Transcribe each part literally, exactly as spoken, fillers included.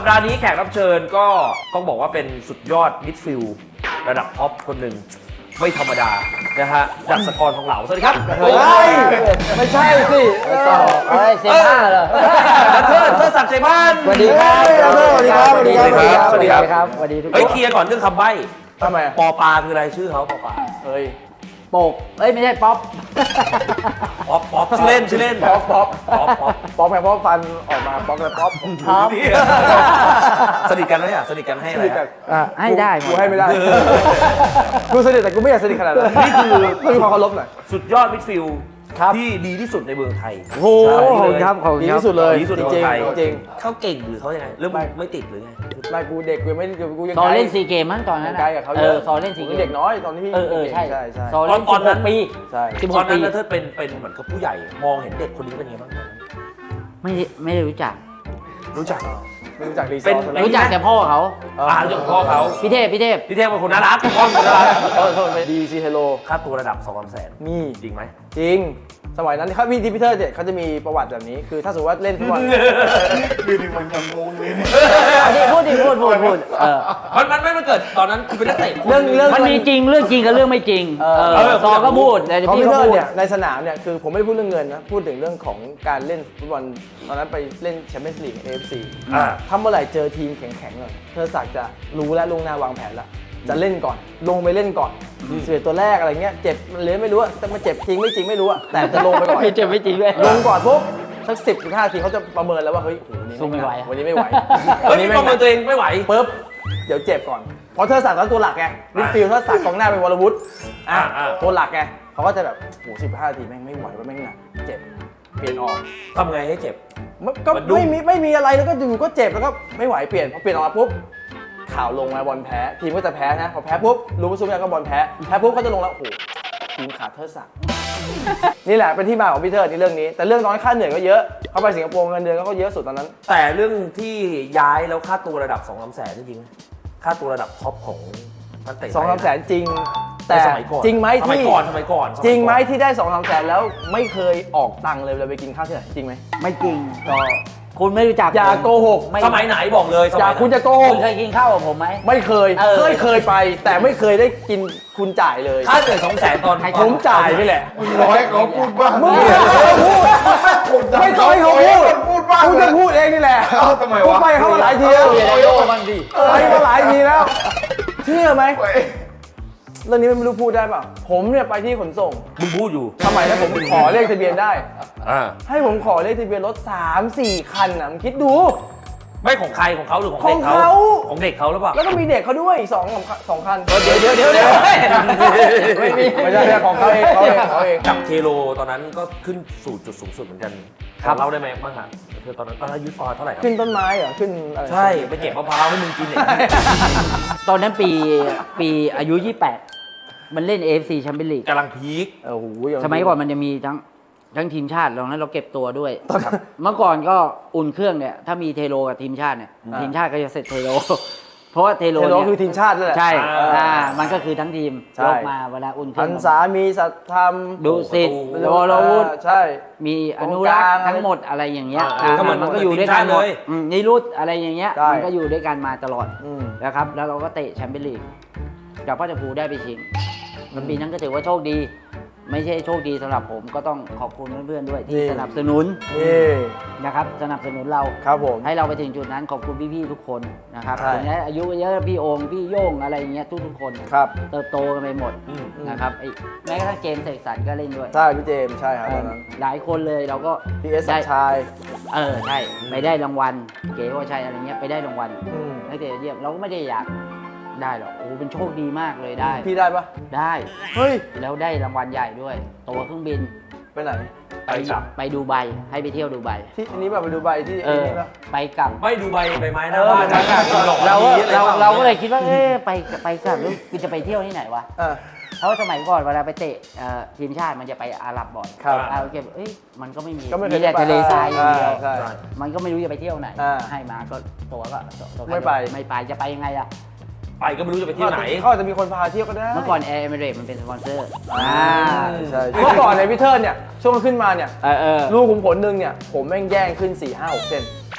ปดาห์นี้แขกรับเชิญก็ต้องบอกว่าเป็นสุดยอดมิดฟิลด์ระดับท็อปคนหนึ่งไม่ธรรมดานะฮะดัชกรของเหลาสวัสดีครับเฮ้ยไม่ใช่สิไม่ใช่เฮ้ยเซม่าเหรอเทิดเทิดศักดิ์ใจบ้านสวัสดีครับสวัสดีครับสวัสดีครับสวัสดีครับสวัสดีทุกคนเฮ้ยเคลียร์ก่อนเรื่องคำใบ้ทำไมปอปลาคืออะไรชื่อเขาปอปลาเฮ้ยโปกเอ้ยไม่ใช่ป๊อปป๊อปป๊อปชื่อเล่นชื่อเล่นป๊อปป๊อปป๊อปป๊อปป๊อปแม่ป๊อปฟันออกมาป๊อปแล้วป๊อปป๊อปสนิทกันไหมอ่ะสนิทกันให้อะไรอ่ะให้ได้กูให้ไม่ได้กูสนิทแต่กูไม่อยากสนิทขนาดนั้นนี่คือต้องมีความเคารพหน่อยสุดยอดมิดฟิลด์ที่ดีที่สุดในเมืองไทยโอ้โหครับของดีที่สุดเลยดีที่สุดในเมืองไทยจริงเขาเก่งหรือเขายังไงเริ่มไม่ติดหรือไงไม่กูเด็กกูไม่กูยังตอนเล่นซีเกมมั้งตอนนั้นใกล้กับเขาเออตอนเล่นซีเกมเด็กน้อยตอนที่พี่เออเออใช่ใช่ใช่ตอนเล่นตอนนั้นปีใช่สิบหตอก นนั้ปีนนะเธอเป็นเป็นเหมือนกับผู้ใหญ่มองเห็นเด็กคนนี้เป็นยังไงบ้างไม่ได้ไม่ได้รู้จักรู้จักไม่รู้จักรีซเป็อน ร์ทรู้จักแต่พ่อเขาอ่ารู้จักพ่อเขาพี่เทพพี่เทพพี่เทพเป็นคนน่ารักพ่อเป็นคนน่ารักเออโทษไปดีซีเฮโลค่าตัวระดับสองสามแสนมีจริงไหมจริง สมัยนั้นเขาพี่ดิพิเตอร์เนี่ยเขาจะมีประวัติแบบนี้ คือถ้าสมมติว่าเล่นฟุตบอลดูดิมันยังงงเลยเนี่ยอันนี้พูดดิพูดพูดพูดเออมันมันไม่มันเกิดตอนนั้นคือเป็นนักเตะเรื่องเรื่องมันมีจริงเรื่องจริงกับเรื่องไม่จริงเออเออซอก็พูดแต่คอมพิพี่วเตก็อร์พูดเนี่ยในสนามเนี่ยคือผมไม่ได้พูดเรื่องเงินนะ พูดถึงเรื่องของการเล่นฟุตบอลตอนนั้นไปเล่นแชมเปี้ยนส์ลีก เอ เอฟ ซีอ่าถ้าเมื่อไหร่เจอทีมแข็งๆเลยเธอศักดิ์จะรู้และลงหน้าวางแผนแล้วจะเล่นก่อน ลงไปเล่นก่อนสิบเอ็ดตัวแรกอะไรเงี้ยเจ็บมันเลยไม่รู้อะแต่มันเจ็บจริงไม่จริงไม่รู้อะแต่จะลงไปก่อนไม่เจ็บไม่จริงด้วยลงก่อนปุ๊บสักสิบถึงห้าทีเขาจะประเมินแล้วว่าเฮ้ยโอ้โหสู้ไม่ไหวอะวันนี้ไม่ไหวเฮ้ยนี่ประเมินตัวเองไม่ไหวปุ๊บเดี๋ยวเจ็บก่อนเพราะเธอศักดิ์ตอนตัวหลักไงมิดฟิลด์เธอศักดิ์กองหน้าเป็นวรวุฒิอ่ะอ่าตัวหลักไงเขาก็จะแบบโอ้โหสิบห้าทีแม่งไม่ไหวว่าแม่งหนักเจ็บเปลี่ยนออกทำไงให้เจ็บมันก็มันดุ้งไม่มีไม่มีอะไรแล้วก็อยู่ก็เจ็บแล้วก็ไม่ไหวเปลี่ยนพอเปลี่ยนออกมาปุ๊บข่าวลงมาบอลแพ้ทีมก็จะแพ้นะพอแพ้ปุ๊บรู้ว่าซุปเปอร์ก็บอลแพ้แพ้ปุ๊บก็จะลงแล้วโอ้โหทีมขาดเทิดศักดิ์นี่แหละเป็นที่มาของพี่เทิดในเรื่องนี้ แต่เรื่องตอนค่าเหนื่อยก็เยอะเขาไปสิงคโปร์เงินเดือนก็เยอะสุดตอนนั้นแต่เรื่องที่ย้ายแล้วค่าตัวระดับสองสามแสนจริงๆค่าตัวระดับท็อปของนักเตะสองสามแสนจริงแต่แต่สมัยก่อนจริงไหมสมัยที่ก่อนสมัยก่อนจริงไหมที่ได้สองสามแสนแล้วไม่เคยออกตังค์เลยเวลาไปกินข้าวที่ไหนจริงไหมไม่จริงก็คุณไม่รู้จักอย่าผมโกหกไม่สมัยไหนบอกเลยสอย่ามัยไหนคุณจะโกหคุกณเคยกินข้าวกับผมไหมไม่เคยเออเคยเคยไป แต่ไม่เคยได้กินคุณจ่ายเลยค่าเหนื่อยสองแสนตอนผมจ่ายนี่แหละร้อยเขาพูดบ้างมึงไม่เคยพูดไม่เคยเขาพูดพูดบ้างกูจะพูดเองนี่แหละเอ้าทำไมวะกูไปเขามาหลายทีแล้วอย่าโยกมันดิไปมาหลายทีแล้ว เชื่อไหมเรื่องนี้ไม่รู้พูดได้เปล่าผมเนี่ยไปที่ขนส่งมึงพูดอยู่สมัยนั้นผมขอเลขทะเบียนได้อ่าให้ผมขอเลขทะเบียนรถสามสี่คันน่ะมึงคิดดูไม่ของใครของเขาหรือของขอเด็งกเขาเขาของเด็กเขาหรือเปล่าแล้วก็มีเด็กเขาด้วยอีกสองสองคันเดี๋ยวเดี๋ยวเดี๋ยวเดี๋ยวไม่มีไม่ใช่ไม่ใช่ของเขาเองเขาเองเขาเองกับเทโลตอนนั้นก็ขึ้นสู่จุดสูงสุดเหมือนกันเล่าได้ไหมบ้างฮะเธอตอนนั้นตอนนั้นอายุตอนเท่าไหร่ครับขึ้นต้นไม้เหรอขึ้นอะไรใช่ไปเก็บมะพร้าวให้มึงกินเนี่ยตอนนั้นปีปีอายุยี่สิบแปดมันเล่น เอ เอฟ ซี Champions League กำลังพีคโอ้โหสมัยก่อนมันจะมีทั้งทั้งทีมชาติตอนนั้นเราเก็บตัวด้วย เมื่อก่อนก็อุ่นเครื่องเนี่ยถ้ามีเทโลกับทีมชาติเนี่ยทีมชาติก็จะเสร็จเทโล เพราะว่าเทโลเทโลเนี่ยคือทีมชาตินั่นแหละใช่อ่าอ่ามันก็คือทั้งทีมใช่ยกมาเวลาอุ่นเครื่พัองนษามีสัตธรรมดุสิตโอ้โลโลวุธใช่มีอนุรักษ์ตรงกลางทั้งหมดอะไรอย่างเงี้ยอ่าอ่าก็เหมือนมันก็อยู่ด้วยกันหมดเลยอืมนิรุตอะไรอย่างเงี้ยใช่มันก็อยู่ด้วยกันมาตลอดอืมนะครับแล้วเราก็เตะแชมเปี้ยนลีกจากพ่อจะพูได้ไปชิงมันปีนั้นก็ถือว่าโชคดี ไม่ใช่โชคดีสำหรับผมก็ต้องขอบคุณเพื่อนๆด้วยที่นี่สนับสนุนนี่นะครับสนับสนุนเราครับผมให้เราไปถึงจุดนั้นขอบคุณพี่ๆทุกคนนะครับใช่ถึงแม้อายุเยอะพี่โองค์พี่โย่งอะไรอย่างเงี้ยทุกๆคนครับเติบโตกันไปหมดอืมนะครับไอ้แม้กระทั่งเจมส์เสกสรรก็เล่นด้วยใช่พี่เจมส์ใช่ครับตอนนั้นหลายคนเลยเราก็พีเอสสัได้ญชัยเออใช่ไปได้รางวัลเก๋ว่าใช่อะไรเงี้ยไปได้รางวัลอืมนักเตะยอดเยี่ยมเราก็ไม่ได้อยากได้หรอกโอ้โหเป็นโชคดีมากเลยได้พี่ได้ปะได้เฮ้ยแล้วได้รางวัลใหญ่ด้วยตั๋วเครื่องบินไปไหนไปกลับไปดูไบให้ไปเที่ยวดูไบที่อันนี้แบบไปดูใบที่เอไอ้อนี่ปะไปกลับไม่ดูใบใบไม้หเอน้าอบ้านนะเราก็ดอกมะลิเราอะไรเราก็เลยคิดว่าเอ๊ะไปไปกลับแล้วกูจะไปเที่ยวที่ไหนวะอ่ะเพราะว่าสมัยก่อนเวลาไปเตะเอ่อทีมชาติมันจะไปอาหรับบ่อยครับอาโอเคเอ้ยมันก็ไม่มีก็ไม่เคยมีแต่ทะเลทรายอย่างเดียวใช่มันก็ไม่รู้จะไปเที่ยวไหนอ่าให้มาก็ตัวก็ตัวก็ไม่ไปไม่ไปจะไปยังไงอะไปก็ไม่รู้จะไปเที่ยวไหนเขาอาจจะมีคนพาเที่ยวก็ได้เมื่อก่อนแอร์เอมิเรตมันเป็นสปอนเซอร์อ่าใช่เมื่อก่อนในยพี่เทิร์นเนี่ยช่วงขึ้นมาเนี่ยเออเออลูกขุมขนหนึ่งเนี่ยผมแม่งแย่งขึ้นสี่ห้าหกเส้น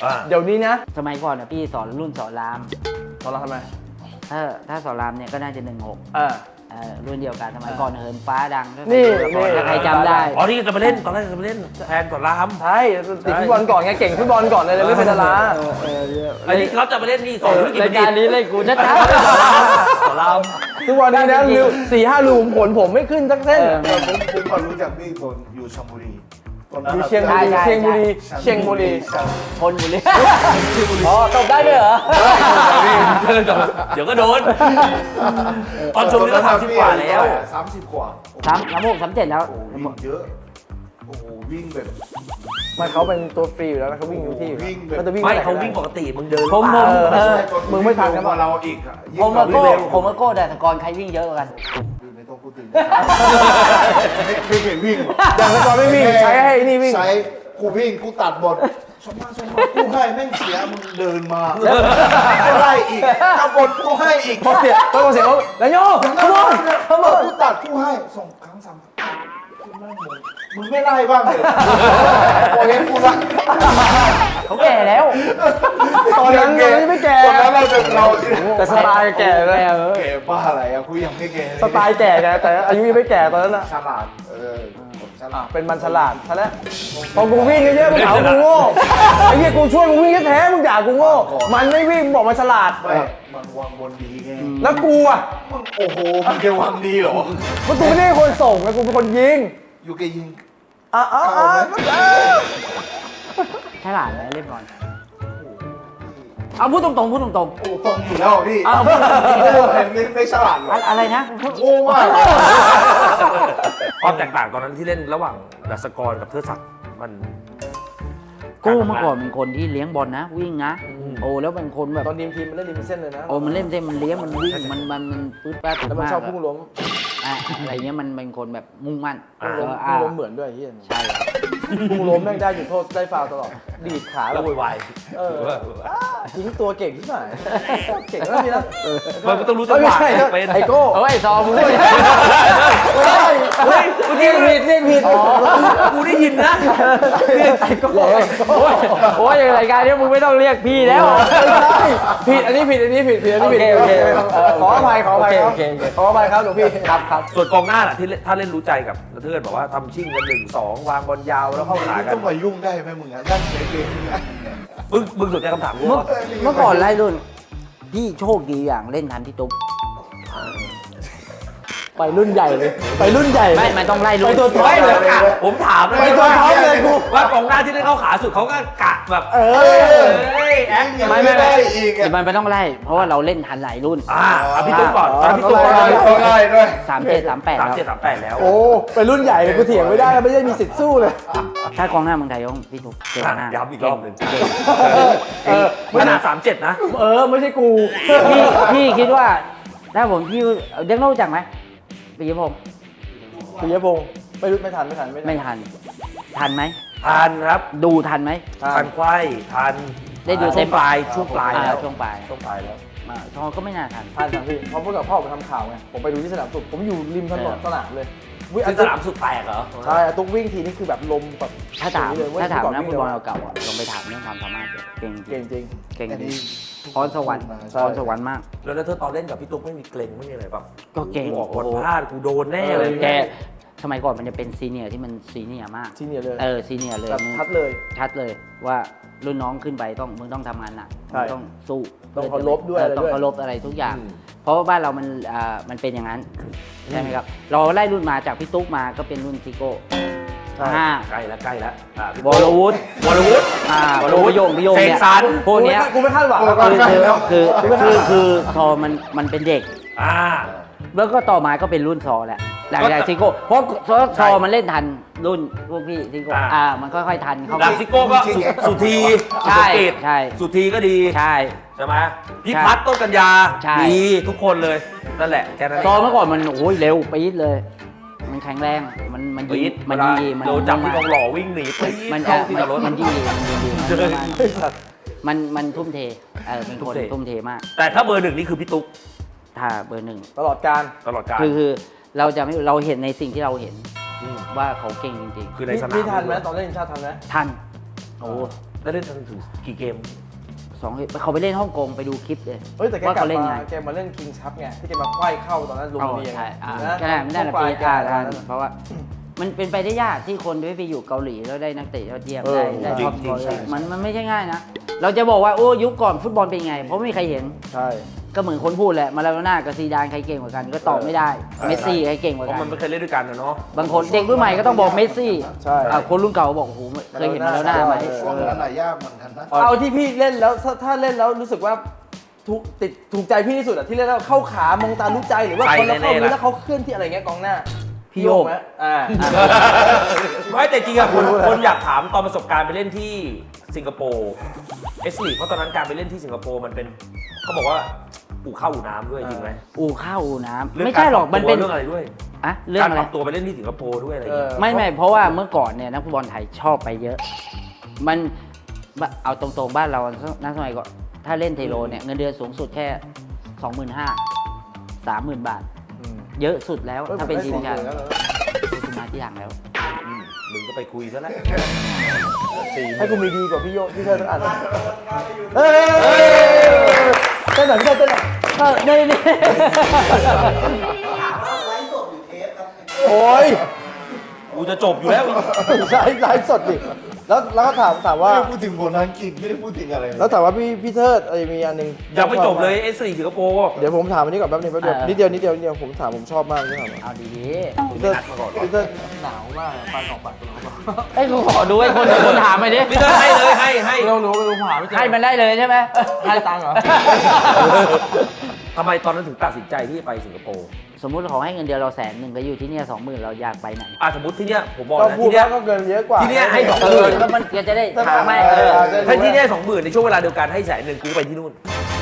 อ่าเดี๋ยวนี้นะสมัยก่อนนะพี่สอนรุ่นสอนรามตอนเราทำไมถ้าถ้าสอนรามเนี่ยก็น่าจะหนึ่งหกอ่าเออรุ่นเดียวกันสมัยก่อนเหินฟ้าดังนี่ถ้าใครจำได้อ๋อที่จะมาเล่นตอนแรกจะมาเล่นแทนก่อนรามใช่ติดฟุตบอลก่อนไงเก่งฟุตบอลก่อนเลยเลยไม่เป็นดาราไอ้นี่เขาจะมาเล่นนี่สอนธุรกิจรายการนี้เล่นกูชัดก่อนรามทุกวันนี้นะรูสี่ห้ารูผลผมไม่ขึ้นสักเส้นผมผมพอรู้จักพี่ตอนอยู่ชลบุรีตอนนั้นอยู่เชียงบุรีเชียงบุรีเชียงบุรีๆคนบุรีอ๋อตบได้ด้วยเหรอเดี๋ยวก็โดนตอนชมนี่ก็สามสิบกว่าแล้วสามสิบกว่าสามสามหกสามเจ็ดแล้วโอ้โหวิ่งเยอะโอ้โหวิ่งแบบมันเขาเป็นตัวฟรีอยู่แล้วแล้วเขาวิ่งอยู่ที่วิ่งแบบเขาจะวิ่งไม่ปหนเขาก็ด้วิ่งปกติมึงเดินผมเปล่าเออมึงไม่ทันกันปะเราอีกอะยิ่งผมกมาว่าโก้เร็วผมมาโก้แต่สกอร์ใครวิ่งเยอะกว่ากันไม่ต้องพูดถึงไม่เห็นวิ่งอย่างเมื่อก่อนไม่วิ่งใช้ให้ไอ้นี่วิ่งใช้กูวิ่งกูตัดบทสมมาสมมากูให้แม่งเสียมึงเดินมาก็ไล่อีกกระบดกูให้อีกพอเสียพอเสียเขาแล้วโย่ขโมยขโมยกูตัดกูให้ส่งครั้งสามมึงไม่ไล่บ้างเลยโอ้ยกูละเขาแก่แล้วตอนนั้นเรายังไม่แก่ตอนนั้นเราจะเราแต่สไตล์แก่เลยแก่บ้าอะไรอะกูยังไม่แก่เลยสไตล์แก่ไงแต่อายุยังไม่แก่ตอนนั้นอะฉลาดเออผมฉลาดเป็นมันฉลาดซะแล้วพอกูวิ่งเยอะๆมึงหาว่ากูโง่ไอ้เหี้ยกูช่วยมึงวิ่งแท้ๆมึงด่ากูโง่มันไม่วิ่งบอกมันฉลาดไม่มันวางบนดีไงแล้วกูอ่ะมึงโอ้โหมึงจะวางดีเหรอมันกูไม่ได้เป็นคนส่งนะกูเป็นคนยิงอยู่แกยิงอ่ะอ่ะอ่ะฉลาดไหมเล่นบอลเอาพูดตรงๆพูดตรงโอ้ตรงอยู่แล้วพี่ๆเอาพูดตรงโอ้เห็นไม่ไม่ฉลาดหรอๆอะไรนะโอ้มากความแตกต่างตอนนั้นที่เล่นระหว่างดัสกรกับเทอศักดิ์มันโก้เมื่อก่อนเป็นคนที่เลี้ยงบอลนะ วิ่งนะ โอ้แล้วเป็นคนแบบตอนทีมทีมมันเล่นริมเส้นเลยนะโอ้มันเล่นเส้นมันเลี้ยงมันวิ่งมันมันมันปื๊ดแป๊ดแล้วมันมากชอบพุ่งล้มอ่ะอะไรเงี้ยมันเป็นคนแบบมุ่งมั่นพุ่งล้มอ่าพุ่งล้มเหมือนด้วยไอ้เฮียใช่ครับพุ่งล้มแม่งได้จุดโทษได้ฟาวล์ตลอดดีดขาแล้แบวบโวยวายเออทิ้งตัวเก่งที่ไหนเก่งแล้วนี่นะมันก็ต้องรู้จังหวะไม่ใช่เป็นไอโก้เอ้ยซอมึงด้วยไม่ได้เฮ้ยเรียกผิดเรียกผิดกูได้ยินนะไอโก้โอ้ยโอ้ยอย่างรายการนี้มึงไม่ต้องเรียกพี่แล้วไม่ใช่ผิดอันนี้ผิดอันนี้ผิดผิดอันนี้ผิดโอเคโอเคเออขออภัยขออภัยครับโอเคโอเคขออภัยครับหลวงพี่ครับครับส่วนกองหน้าน่ะที่เล่นถ้าเล่นรู้ใจกับเทือนบอกว่าทำชิ่งกันหนึ่งสองวางบอลยาวแล้วเข้าขากันต้องมายุ่งได้ไหมมึงอะนั่งเฉยเกมเนี่ยมึงมึงสนใจคำถามกูเมื่อว่าเมื่อก่อนไล่รุ่น พี่โชคดีอย่างเล่นทันพี่ตุ๊กไปรุ่นใหญ่เลย ไปรุ่นใหญ่เลยไม่มันต้องไล่รุ่นไปตัวท็อปไม่เลเลย ยผมถามเลยไปตัวท็อปเลยกูว่ากองหน้าที่ได้เข้าขาสุดเขาก็กะแบบเออเอ้ยแอคยังไม่ได้อีกแต่อะมันไม่ต้องไล่ เพราะว่าเราเล่นทันหลายรุ่นอ่าเอาพี่ตุ๊กก่อนตอนพี่ตุ๊กเอาก่อนไปก็ได้ด้วยสามเจ็ดสามแปดสามแล้วเจ็ดสามแปดแล้วโอ้ไปรุ่นใหญ่เลยกูเถียงไม่ได้ไม่ได้มีสิทธิ์สู้เลยถ้ากองหน้าเมืองไทยต้องพี่ตุ๊กเก่งอ่ะมากย้ำอีกรอบหนึ่งเออขนาดสามเจ็ดนะเออไม่ใช่กูพี่พี่คิดว่า ถ้าผมพี่เด็กโน้รู้จักไหมปีผมปิยพงศ์ไม่รู้ไม่ทันไม่ทันไม่ทันไม่ทัน ทันไหมทันครับดูทันไหมทันควายทันได้ดูช่เต็วงมปลายช่วงปลายแล้วอ่ช่วงปลายช่วงปลายแล้วมาทองก็ไม่น่าทันทันทันพี่เพราะเมื่อกับพ่อผมทำข่าวไงผมไปดูที่สนามสุดผมอยู่ริมถนนสนามเลยวิ่งซึ่งสนามสุดแตกเหรอใช่ตุ๊กวิ่งทีนี่คือแบบลมแบบถ้าถามเลยเว้ยถ้าถามก่นักฟุตบอลวิ่งเก่าๆอ่ะลองไปถามเรื่องความสามารถเลยเก่งจเก่ริงงจริงเก่งอันจรินี้งพรสวรรค์ใช่พรสวรรค์มากแล้วถ้าตอนเล่นกับพี่ตุ๊กไม่มีเกรงไม่มีอะไรป่ะก็เก่งกูออกบอลพลาดกูโดนแน่เลยแกสมัยก่อนมันจะเป็นซีเนียร์ที่มันซีเนียร์มากซีเนียร์เลยเออซีเนียร์เลยแบบมึงทัดเลยชัดเลยว่ารุ่นน้องขึ้นไปต้องมึงต้องทำงานหนักใช่มึงต้องสู้ต้องเคารพด้วยเอออะไรต้อด้วยงเคารพอะไรทุกอย่าง เพราะว่าบ้านเรามันอ่ามันเป็นอย่างนั้นใช่ไหมครับเราไล่รุ่นมาจากพี่ตุ๊กมาก็เป็นรุ่นซิโก้ใช่ห้าใกล้แล้วใกล้แล้วอ่ะพี่วรวุฒิวรวุฒิอ่าวรวุฒิพี่โยงพี่โยงเนี่ยเสกสรรพวกเนี้ยกูไม่คาดหวังโอ้แล้วก็กันใกล้แล้วคือคือคือพอมันมันเป็นเด็กอ่าแล้วก็ต่อมาก็เป็นรุ่นซอแหละหลังจากซิโก้เพราะซอซอมันเล่นทันรุ่นพวกพี่ซิโก้อ่าอ่ามันค่อยๆทันเขาหลังซิโก้ก็สุสุธีใช่สุเกตใช่สุธีก็ดีใช่ใช่ไหมพี่พัฒน์ต้นกัญญาใช่ดีทุกคนเลยนั่นแหละแค่นั้นซอเมื่อก่อนมันโอ้ยเร็วปี๊ดเลย มันแข็งแรงมันมันยิปี๊งดมันเวลายิงมันโดนจับที่ทองหล่อวิ่งหนีปี๊ดมันเข้าอ่ะที่มันจอดรถมันยิงมันยิงมันมันมันทุ่มเทเออเป็นคนทุ่มเททุ่มเทมากแต่ถ้าเบอร์หนึ่งนี่คือพี่ตุ๊กถ้าเบอร์หนึ่งตลอดการตลอดกาลคือคือเราจะไม่เราเห็นในสิ่งที่เราเห็นมว่าเขาเก่งจริงคือในสนามพี่ทันไหมตอนเล่นทีมชาติทันไหมๆ ทันโอ้ได้เล่นถึงกี่เกมสองเขาไปเล่นฮ่องกงไปดูคลิปเลยเฮ้ยแต่แกว่ากลับเขาเล่นมาไงแกมาเล่นคิงส์คัพไงที่แกมาไขว้เข้าตอนนั้นลุมเอาพินีใช่อ่านะก็ได้ไม่ได้ละปปีลายแกอ่าตอนอ่านั้นเพราะว่า มันเป็นไปได้ยากที่คนที่ไปอยู่เกาหลีแล้วได้นักเตะยอดเยี่ยมเออได้ได้จริงท็อปจริงฟอร์ใช่มันมันไม่ใช่ง่ายนะ เราจะบอกว่าโอ้ยุคก่อนฟุตบอลเป็นไง เพราะไม่มีใครเห็นใช่ก็เหมือนคนพูดแหละมาลาโดน่ากับซีดานใครเก่งกว่ากันก็ตอบไม่ได้เมสซี่ใครเก่งกว่าเพราะกัมัน นไม่เคยเล่นด้วยกันนะเนาะบางคนเด็กรุ่นใหม่ก็ต้องบอกเมสซี่ใช่อ่ะคนรุ่นเก่าบอกโอ้โหเคยเห็นมาแล้วหน้าไหมช่วงนั้นน่ะยากเหมือนกันนะเอาที่พี่เล่นแล้วถ้าถ้าเล่นแล้วรู้สึกว่าถูกติดถูกใจพี่ที่สุดอะที่เล่นแล้วเข้าขามองตารู้ใจหรือว่าคนละเข้ามือแล้วเขาเคลื่อนที่อะไรเงี้ยกองหน้าพี่โยกไหมอ่าไม่แต่จริงอะคนคนอยากถามตอนประสบการณ์ไปเล่นที่สิงคโปร์เอสลีเพราะตอนนั้นการไปเล่นที่สิงคโปร์มันเป็นเขาบอกว่าอู่ข้าวอู่น้ำด้วยจริงไหมอู่ข้าวอู่น้ำเงไม่ใช่หรอกมันเป็นเรื่องอะไรด้วยอะเรื่องการอะปไรรับตัวไปเล่นที่สิงคโปร์ด้วยอะไรอย่างเงี้ยเออไม่ไม่เพราะว่าเมื่อก่อนเนี่ยนักฟุตบอลไทยชอบไปเยอะ มันเอาตรงๆบ้านเรานักสมัยก่อนถ้าเล่นเทโรเนี่ยเงินเดือนสูงสุดแค่ สองหมื่นห้าพัน สามหมื่น บาท เยอะสุดแล้วถ้าเป็นทีมชาติคุณมาที่หลังแล้วอืมมึงก็ไปคุยซะแล้วให้กูมีดีกว่าพี่โยพี่เธอต้องอ่านเฮ้ยเต้นหน่อยพี่เธอเต้นหน่อยเออนี่นี่โอ้ยกูจะจบอยู่แล้วไลฟ์ไลฟ์สดดิแล้วแล้วก็ถามถามไม่ว่าได้พูดถึงบทอังกฤษไม่ได้พูดถึงอะไรเลยแล้วถามว่าพี่พี่เทิดอะไรมีอันหนึ่งยังไม่จบเลยเอสลีสิงคโปร์เดี๋ยวผมถามอันนี้ก่อนแป๊บนึงแป๊บเดียวนิดเดียวนิดเดียวนิดเดียวผมถามผมชอบมากที่ถามเอาดีมึงไม่นัดมาก่อนหรอพี่เทิดหนาวมากฟันออกปากตัวเราๆไอ้ยกูขอดูไอ้คนคนถามไปดิพี่เตอร์ให้เลยให้ให้เราหนูไปดูหาไม่เจอให้มันได้เลยใช่ไหมให้ตังค์เหรอทำไมตอนนั้นถึงตัดสินใจที่จะไปสิงคโปร์สมมุติเขาให้เงินเดือนเราแสนหนึ่งก็อยู่ที่เนี่ยสองหมื่นเราอยากไปไหนอ่ะสมมติที่เนี้ยผมบอกก็นะพูดที่เนี้แล้ยวก็เกินเยอะกว่าที่เนี่ยให้สองเออก็มันจะได้ถามไหมเอเอออถ้าที่เนี่ยสองหมื่นในช่วงเวลาเดียวกันให้แสนหนึ่งกูไปที่นู่น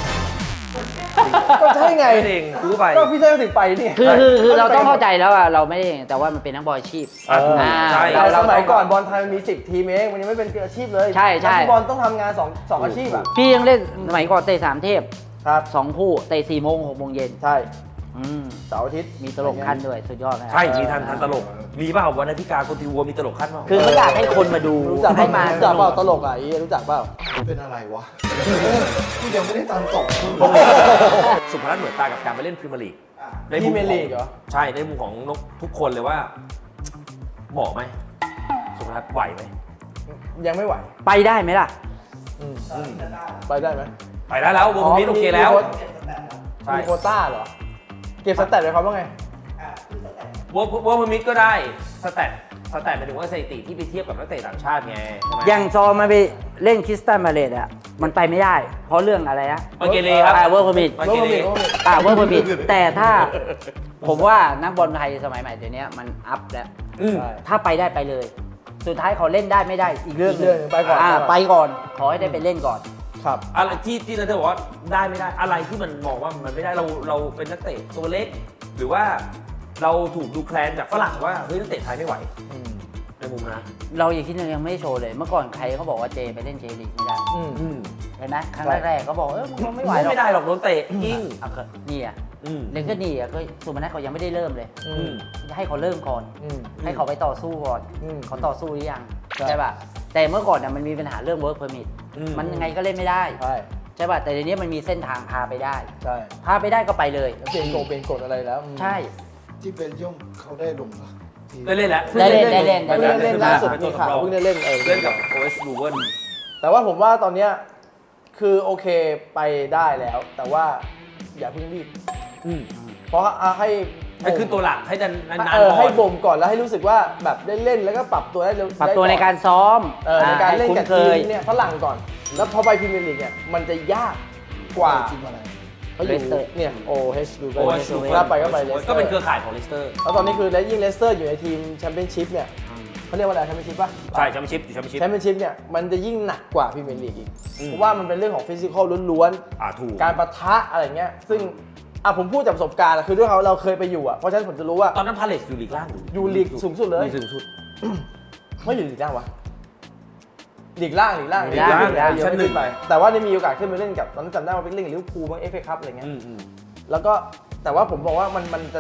ก็ใช่ไงแค่นั้นเองกูก็ไปก็พี่เทิดถึงไปนี่คือคือคือเราต้องเข้าใจแล้วอ่ะเราไม่ได้แต่ว่ามันเป็นนักบอลอาชีพอ่ะถูกอ่าใช่แต่สเรามัยต้องก่อนบอลไทยมันมีสิบทีมเองมันยังไม่เป็นอาชีพเลยใช่ใช่นักฟุตบอลต้องทำงานสองสองอาชีพอ่ะพี่ยังเล่นสมัยก่อนเตะสามเทพครับสองคู่เตะสี่โมงหกโมงเย็นใช่อืมเสาร์อาทิตย์มีตลกขั้นด้วยสุดยอดนะใช่มีทันทันตลก มีเปล่าวันอาทิตย์การคนทีวัวมีตลกขั้นเปล่าคือเขาอยากให้คนมาดูรู้จักให้มารู้จักเปล่าตลกอ่ะอีรู้จักเปล่าเป็นอะไรวะกูยังไม่ได้ตังค์ตกสุพนัทเหมือนตากับการไปเล่นพรีเมียร์ลีกในพรีมุมเมียร์ขลีองกเหรอใช่ในมุมของนกทุกคนเลยว่าเหมาะไหมสุพนัทไหวไหมยังไม่ไหวไปได้ไหมล่ะอืมไปได้ไหมไปได้แล้ววงมิตรโอเคแล้ว ใช่มีโควต้าเหรอ เก็บสแตทไปเขาว่าไงวงวงมิตรก็ได้สแตทสแตทหมายถึงว่าสถิติที่ไปเทียบกับนักเตะต่างชาติไงใช่ไหมอย่างซอมาไปเล่นคริสตัลมาเลดอ่ะมันไปไม่ได้ เพราะเรื่องอะไรนะมาเกเรครับอ่าเวิร์กพอมิดมาเกเรอ่าเวิร์กพอมิดแต่ถ้าผมว่านักบอลไทยสมัยใหม่เดี๋ยวนี้มันอัพแล้วอืมใช่ถ้าไปได้ไปเลย สุดท้ายเขาเล่นได้ไม่ได้อีกเรื่องหอีกเรื่องหนึ่งไปก่อนอ่าไปก่อน ขอให้ได้ไปเล่นก่อนครับอะไรที่ที่นัทบอกว่าได้ไม่ได้อะไรที่มันมองว่ามันไม่ได้เราเราเป็นนักเตะตัวเล็ก หรือว่าเราถูกดูแคลนจากฝรั่งว่าเฮ้ยนักเตะไทยไม่ไหวอืมในมุมนะเราอย่างที่นึงยังไม่โชว์เลย เมื่อก่อนใครเขาบอกว่าเจไปเล่นเจลีกไม่ได้อืมอืมเห็นไหมครั้งแรกๆเขาบอกเออมึงไม่ไหวหรอกไม่ได้หรอกโดนเตะยิ่งอ่ะก็นี่อ่ะอืมเล่นก็นี่อ่ะก็สุพนัทเขายังไม่ได้เริ่มเลยอือืมมให้เขาเริ่มก่อนอืมให้เขาไปต่อสู้ก่อนอืมเขาต่อสู้หรือยังใช่ใช่ป่ะแต่เมื่อก่อนน่ะมันมีปัญหาเรื่อง work permit อืมมันยังไงก็เล่นไม่ได้ใช่ใช่ป่ะแต่เดี๋ยวนี้มันมีเส้นทางพาไปได้ใช่พาไปได้ก็ไปเลยแล้วเปลี่ยนโกงเปลี่ยนกฎอะไรแล้วอืมใช่ที่เป็นย่อมเขาได้ลงปะได้เล่นแล้วได้เล่นได้เล่นเพิ่งได้เล่นล่าสุดมีข่าวเพิ่งได้เล่นเออเล่นกับโอเอสลูเวนแต่ว่าผมว่าตอนเนี้ยคือโอเคไปได้แล้ว แต่ว่าอย่าเพิ่งรีบอืมเพราะอ่ะให้ให้ขึ้นตัวหลักให้นานนานเออๆก่ให้อนบ่มก่อนแล้วให้รู้สึกว่าแบบได้เล่นแล้วก็ปรับตัวได้เร็วปรับตัวได้ในอนการซ้อมเออในการเล่นกับให้ทีคุ้มนเคยเนี่ยฝรั่งก่อน แล้วพอไปพรีเมียร์ลีกเนี่ยมันจะยากกว่าทีมอะไรเขาอยู่ Leicester เนี่ยโอเฮชดูไปโอเอสลูเวนถ้าไปก็ไปเลสเตอร์ก็เป็นเครือข่ายของเลสเตอร์แล้วตอนนี้คือและยิ่งเลสเตอร์อยู่ในทีมแชมเปี้ยนชิพเนี่ยเขาเรียกว่าอะไรแชมเปี้ยนชิพป่ะใช่แชมเปี้ยนชิพอยู่แชมเปี้ยนชิพแชมเปี้ยนชิพเนี่ยมันจะยิ่งหนักกว่าพรีเมียร์ลีกอีกอืมเพราะว่ามันเป็นเรื่องของฟิสิกอลล้วนอ่าถูกๆการปะทะอะไรเงี้ยซึ่งอ่ะผมพูดจากประสบการณ์อะคือด้วยเขาเราเคยไปอยู่อ่ะเพราะฉะนั้นผมจะรู้ว่าตอนนั้นพาเลสอยู่ลีกล่างหรืออยู่ลีกสูงสุดเลยลีกสูงสุดไม่อยู่ลีกล่างวะลีกล่างลีกล่างลีกล่างลีกล่างชั้นหนึ่งไปแต่ว่าได้มีโอกาสขึ้นไปเล่นกับตอนนั้นจำได้ว่าไปเล่นกับลิเวอร์พูลบ้างเอฟเอคัพอะไรเงี้ยอืมอืมแล้วก็แต่ว่าผมบอกว่ามันมันจะหนัก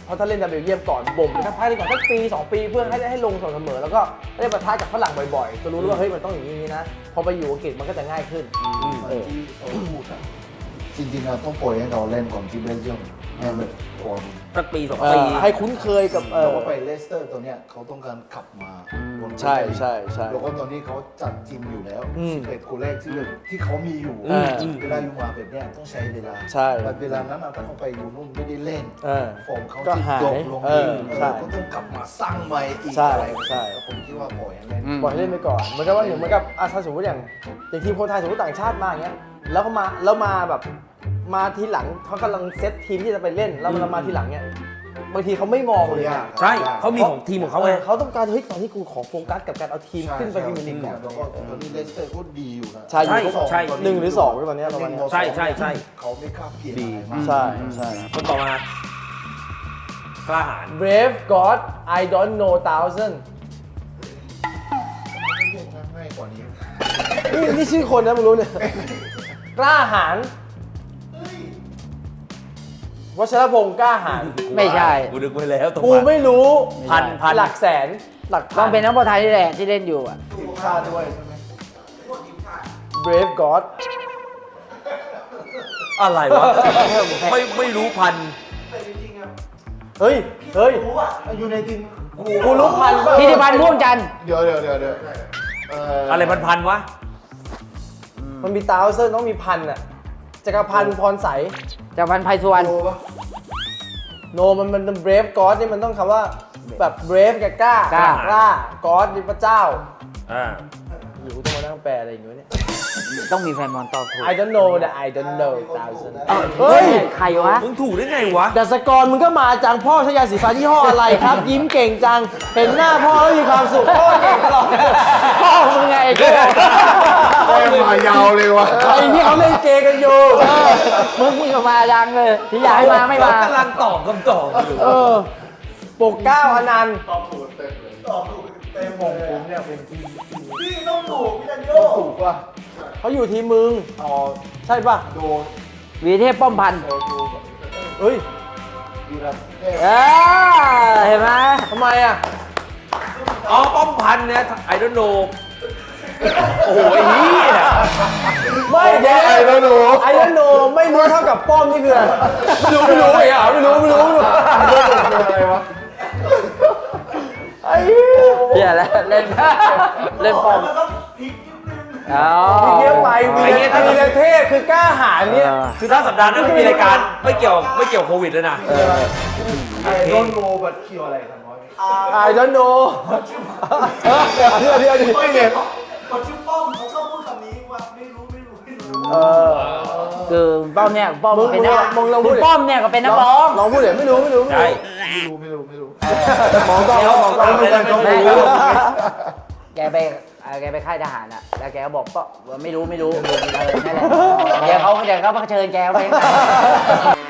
เพราะถ้าเล่นในเบลเยียมก่อนบ่มไปสักพักหนึงก่อนสักปีสองปีเพื่อให้ได้ให้ลงสม่ำเสมอแล้วก็ได้ปะทะกับฝรั่งบ่อยๆจะรู้ว่าเฮ้ยมันต้องอย่างนี้นะพอไปอยู่อังกฤษมันก็จะง่ายขึ้นเหมือนที่เขาพูดอะจริงๆเราต้องปล่อยให้เราเล่นก่อนที่เบลเยียมให้แบบก่อนสักปีสองเอปีอให้คุ้นเคยกับเอเราอก็ไปเลสเตอร์ตัวเนี้ยเขาต้องการขับมาบนใช่ใช่ใช่แล้วก็ตอนนี้เขาจัดทีมอยู่แล้วอืมสิบเอ็ดคนแรกที่แบบที่เขามีอยู่อืมเวลาอยู่มาแบบเนี้ยต้องใช้เวลาใช่แต่เวลานั้นอะถ้าเขาไปอยู่นู่นไม่ได้เล่นเออฟอร์มเขาก็จะหายดรอปลงเออเออใช่ก็ต้องกลับมาสร้างใหม่อีกใช่อะไรใช่ผมคิดว่าปล่อยให้เล่นอืมปล่อยให้เล่นไปก่อนเหมือนกับว่าอย่างเหมือนกับอ่ะถ้าสมมติอย่างอย่างทีมคนไทยสมมติต่างชาติมาอย่างเงี้ยแล้วเขามาแล้วมาแบบมาทีหลังเขากำลังเซตทีมที่จะไปเล่นแล้วมันมาทีหลังเนี่ยบางทีเขาไม่มองเลยนะใช่เขามีของทีมของเขาไงเขาต้องการเฮ้ยตอนนี้กูขอโฟกัสกับการเอาทีมใช่ขึ้นไปพรีเมียร์ลีกก่อนแล้วก็ตอนนี้เลสเตอร์ก็ดีอยู่นะใช่อยู่ใช่หนึ่งหรือสองตอนเนี้ยประมาณเนี้ยใช่ใช่ใช่เขาไม่กล้าเปลี่ยนดีอะไรมากใช่ใช่คนต่อมา กล้าหาญ Brave God I don't know thousand ง่ายกว่านี้นี่นี่ชื่อคนนะมึงรู้เนี่ยกล้าหาญวัชรพงศ์กล้าหาญไม่ใช่กูนึกไว้แล้วตรงกูไม่รู้พันพันหลักแสนหลักพันต้องเป็นนักบอลไทยนี่แหละที่เล่นอยู่อ่ะทีมชาติด้วยใช่ไหม Brave God อะไรวะ ไม่ไม่รู้พันเฮ้ยเฮ้ยอยู่ในทีมกูกูรู้พันป่ะธิติพันธ์ม่วงจันทร์เดี๋ยวเดี๋ยวเดี๋ยวเดี๋ยวเอะไรพันพันๆวะมันมี thousand ต้องมีพันอ่ะจักรพันธ์พรใสจากพันธ์ไพสุวรรณโลปะโนมันมัน brave god นี่มันต้องคำว่าแบบ brave กับกล้ากล้ากล้า god นี่พระเจ้าอ่าอยู่กูต้องมานั่งแปลอะไรอย่างเงี้ยเนี่ยต้องมีแฟนบอลตอบถูก I don't know แต่ I don't know thousand เฮ้เฮ้ยยใครวะมึงถูกได้ไงวะดัสกรมึงก็มาจังพ่อใช้ยาสีฟันยี่ห้ออะไรครับ ยิ้มเก่งจัง เห็นหน้าพ่อแล้วมีความสุขพ่อเก่งตลอดพ่อมึงไงไอ้โก้แม่งมายาวเลยวะไอ้ที่เขาเล่นเกมกันอยู่มึงนี่ก็มาดังเลย ที่อยากให้มาไม่มากำลังตอบคำตอบอยู่เออปกเกล้าอนันต์ตอบถูกเต็มเลยตอบถูกเต็มผมผมเนี่ยเป็นทีมพี่ต้องถูกพี่จันโยถูกป่ะเขาอยู่ทีมมึงอ๋อใช่ป่ะโดนวีเทพป้อมพันธ์โดนดูแบบเฮ้ยดูแลเทพเออเห็นไหมทำไมอ่ะอ๋อป้อมพันธุ์เนี่ยไอดอนโนโอ้โหไอ้เหี้ยไม่เดี๋ยวไอ้แล้วหนูไอ้แล้วโนไม่รู้เท่ากับป้อมนี่คืออะไรไม่รู้ไม่รู้ไอ้อ่ะไม่รู้ไม่รู้ไม่รู้อะไรวะไอ้เหี้ยเหี้ยแล้วเล่นเล่นป้อมอ๋อไอ้เงี้ยไปวีรวีรเทพคือกล้าหาญเนี่ยคือถ้าสัปดาห์หน้าไม่มีรายการไม่เกี่ยวไม่เกี่ยวโควิดเลยนะไอ้โดนโลบัตเคียวอะไรกันวะไอ้แล้วโนเออเดี๋ยวเดี๋ยวเดี๋ยวไม่เห็นคนชื่อป้อมเขาชอบพูดคำนี้ว่าไม่รู้ไม่รู้ไม่รู้เออคือป้อมเนี่ยป้อมมึงเป็นนักมึงลองพูคุดณดิป้อมเนี่ยก็เป็นนักร้องลองพูดเดี๋ยวไม่รู้ไม่รู้ไม่ใช่รู้ไม่รู้ไม่รู้ไม่รู้มองกล้องมองกล้องไม่รู้ไม่รู้แกไปเอ่อแกไปค่ายทหารอ่ะ แล้วแกก็บอกก็ไม่รู้ไม่รู้เออนั่นแหละเดี๋ยวเขาเดี๋ยวเขามาเชิญแกไป